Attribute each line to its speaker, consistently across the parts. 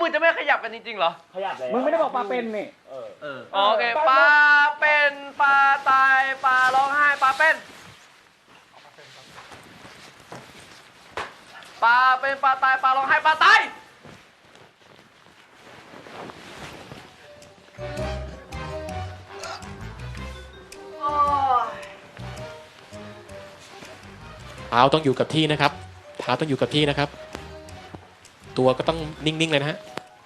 Speaker 1: มึงจะไม่ขยับกันจริงๆเหรอ
Speaker 2: ขยับเลย
Speaker 3: มึงไม่ได้บอกปลาเป็นนี่
Speaker 1: โอเคปลาเป็นปลาตายปลาร้องไห้ปลาเป็นปลาเป็นปลาตายปลาร้องไห้ปลาตาย
Speaker 4: เท้าต้องอยู่กับที่นะครับเท้าต้องอยู่กับที่นะครับตัวก็ต้องนิ่งๆเลยนะฮะ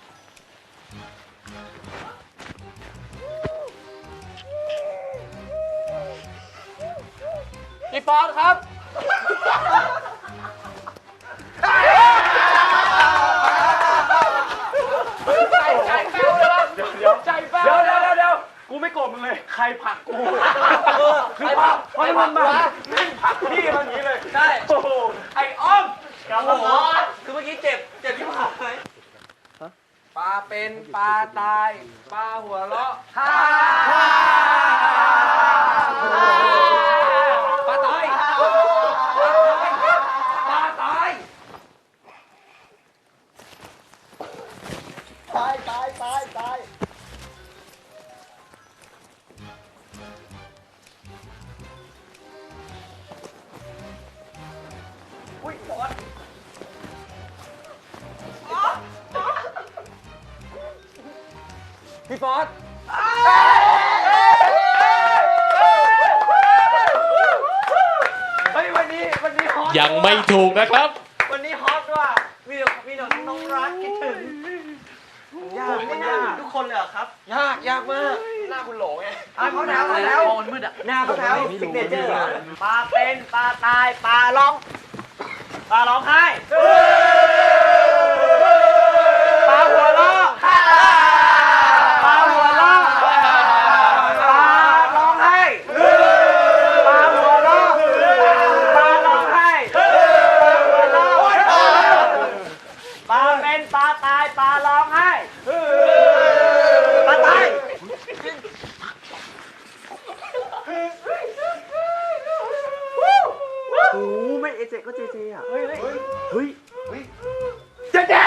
Speaker 1: พี่ฟอนครับใจแป้วเลยวะใจแป้ว
Speaker 3: เดี๋ยวกูไม่โกรธมึงเลยใครผลักกูคือผลักเพราะมันมาแม่งผลักพี่มันอย่างนี้เลย
Speaker 1: ใช่
Speaker 3: โอ้โหไอ้อ้อม
Speaker 1: โอ้โหคือเมื่อกี้เจ็บที่ขาปลาเป็นปลาตายปลาหัวเราะฮ่าปลาตายปลาตาย
Speaker 2: ตาย
Speaker 1: อุ้ยฟอสพี่ฟอสเฮ้ยวันนี้ฮอต
Speaker 4: ยังไม่ถูกนะครับ
Speaker 1: วันนี้ฮอตว่ะมีแต่น้องรักคิดถึงยากทุกคนเลยเหรอครับยากมากหน้าคุณโหลไงเขาแถวมันมืดอ่ะหน้าเขาแถวซิกเนเจอร์ปลาเป็นปลาตายปลาร้องไห้ปลาหัวเราะปลาหัวเราะปลาร้องไห้ปลาหัวเราะปลาร้องไห้ปลาเป็นปลาตายปลาร้องไห้ปลาตาย
Speaker 2: โอ้ไม่เอเจก็เจอ่ะเฮ้ย
Speaker 1: เจ๊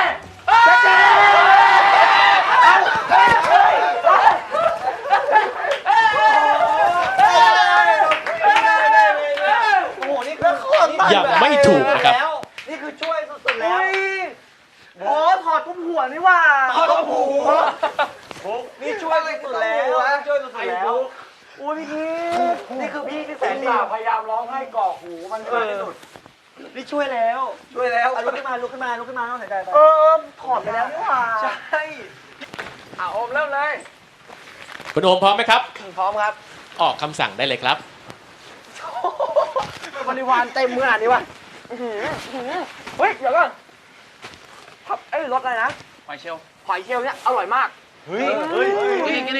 Speaker 1: โอ้โหนี่คือ
Speaker 4: ยังไม่ถูกนะครับ
Speaker 1: นี่คือช่วยสุดๆแล้วโอ้ถอดตุ้มหัวนี่ว่าถอดตุ้มหัวนี่ช่วยสุดๆแล้วโอ้ยพี่นี่คือพี่ที่แสนดี
Speaker 3: พยายามร้องให้ก่อหูมันที่สุด
Speaker 1: นี่ช่วยแล้วลุกขึ้นมาต้องหายใจไปถอดไปแล้วนี่ว่าใช่โอมเริ่มเลย
Speaker 4: คุณโอมพร้อมไหมครับ
Speaker 1: พร้อมครับ
Speaker 4: ออกคำสั่งได้เลยครับ
Speaker 1: บริวารเต็มขนาดนี้วะเฮ้ยเดี๋ยวก่อนรสอะไรนะหอยเชลล์เนี่ยอร่อยมากเฮ้ยกิน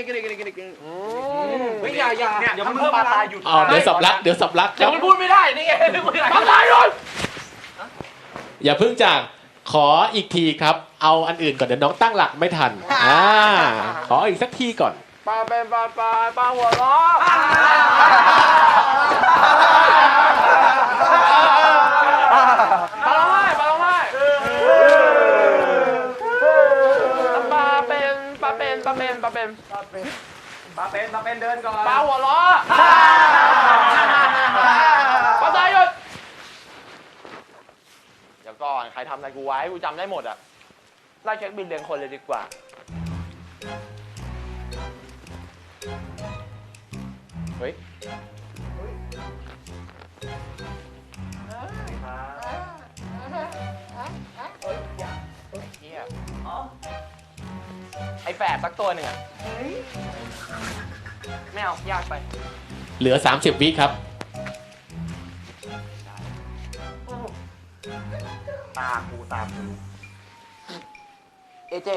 Speaker 1: อย่าเพิ่งปลาตายหยุด
Speaker 4: เดี๋ยวสับลักค
Speaker 1: เดี๋
Speaker 4: รั
Speaker 1: ยว
Speaker 4: บ
Speaker 1: มันพูดไม่ได้นี่ไงปลาตายหยุด
Speaker 4: อย่าเพิ่งจากขออีกทีครับ เอาอันอื่นก่อนเดี๋ยวน้องตั้งหลักไม่ทันขออีกสักทีก่อน
Speaker 1: ปลาเป็นปลาหัวเราะปลาร้องไห้ปลาเป็นเดินก่อนปลาหัวเราะปลาตายหยุดเดี๋ยวก่อนใครทำอะไรกูไว้กูจำได้หมดอ่ะไล่เช็คบินเรียงคนเลยดีกว่าเฮ้ยไอ้แฝดสักตัวหนึ่งอ่ะไม่เอายากไป
Speaker 4: เหลือ30 วิครับ
Speaker 1: ตากูเอเจ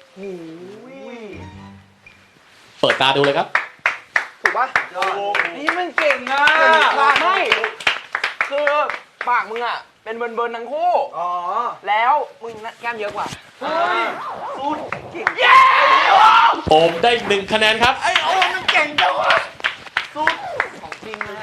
Speaker 4: เปิดตาดูเลยครับ
Speaker 1: ถูกปะนี่มันเก่งอ่ะไม่คือปากมึงอ่ะเป็นเบิร์นทั้งคู่แล้วมึงแก้มเยอะกว่าสูดเก่งเย้
Speaker 4: โอมได้1 คะแนนครับ
Speaker 1: ไอโอมมันเก่งจังวะสูดของจริงนะ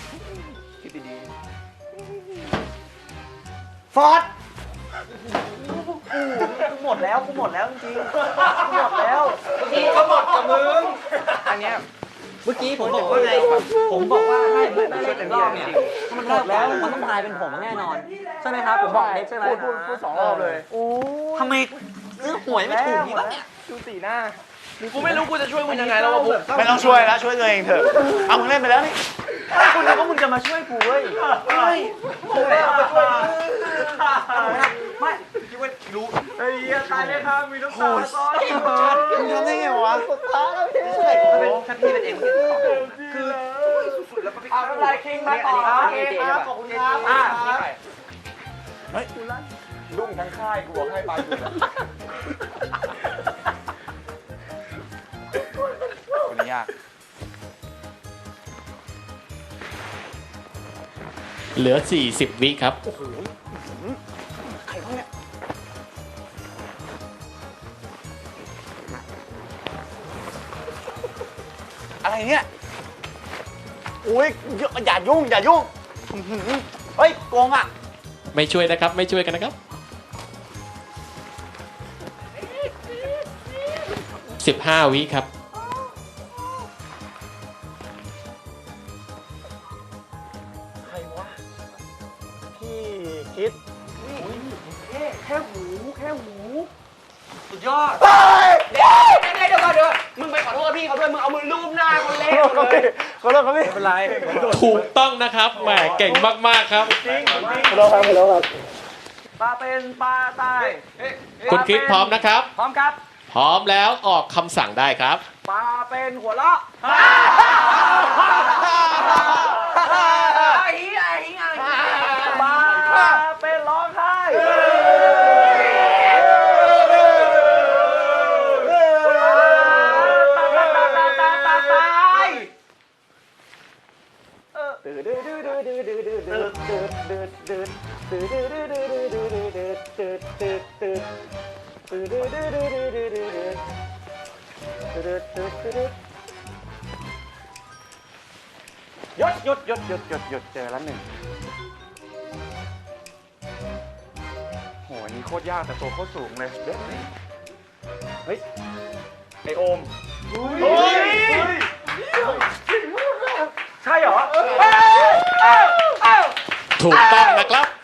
Speaker 1: คิดดีๆฟอร์ดกูหมดแล้วจริงๆกูหมดแล้ว
Speaker 3: กูก็หมดกับมึง
Speaker 1: อันเนี้ยเมื่อกี้ผมบอกว่าไงผมบอกว่าให้ไม่เล่นอีกรอบเนี่ยมันหมดแล้วมันต้องทายเป็นผมแน่นอนใช่ไหมครับผมบอกเด็กใช่ไหม
Speaker 3: พูด2 รอบเลย
Speaker 1: ทำไมซื้อหวยไม่ถูกนี่วะเนี่ย
Speaker 3: ดูสีหน้า
Speaker 2: กูไม่รู้กูจะช่วยมึงยังไงแล้ววะบุ๊ค
Speaker 3: ไม่ต้องช่วยแล้วช่วยตัวเองเถอะเอามึงเล่นไปแล้วนี่
Speaker 1: กูนึกว่ามึงจะมาช่วยกูเว้ยไม่กูไม่เอามาช่วยไม่คิดว่ารู้
Speaker 3: ไอ้เหี้ยตายเลยครับมีน้ำตาซ้อน
Speaker 2: มึงทำได้ไงวะ
Speaker 1: สุดท้ายแล้วพี่ถ้าพี่เป็นเองคือสุดๆแล้วก็พี่
Speaker 3: อะไรคิงมาต่อครับขอบคุณครับดุ้งทั้งค่ายกูบอกให้ไปอยู่คนนี้ยาก
Speaker 4: เหลือ 40 วิครับ
Speaker 3: อะไรเนี่ยอุ้ยอย่ายุ่งเฮ้ยโกงอ่ะ
Speaker 4: ไม่ช่วยนะครับ ไม่ช่วยกันนะครับ 15 วิครับ
Speaker 3: ใครวะพี่คิด
Speaker 1: แค่หูสุดยอด
Speaker 2: เดี๋ยวก่อนมึงไปขอโทษพี่เขาด้วยมึงเอามือลูบหน้าคนเล่น
Speaker 3: ขอโทษครับพี่
Speaker 1: ไม่เป็นไร
Speaker 4: ถูกต้องนะครับแหมเก่งมากๆครับ
Speaker 3: จริงขอโทษครับ
Speaker 1: ปลาเป็นปลาตาย
Speaker 4: คุณคริสพร้อมนะครับ
Speaker 1: พร้อมครับ
Speaker 4: พร้อมแล้วออกคำสั่งได้ครับ
Speaker 1: ปลาเป็นหัวเราะปลาเป็นร้องไห้หยุดเจอแล้วหนึ่ง
Speaker 3: โหอันนี้โคตรยากแต่ตัวโคตรสูงเลยเฮ้ยไอโอมใช่เหรอ
Speaker 4: ถูกต้องนะครับ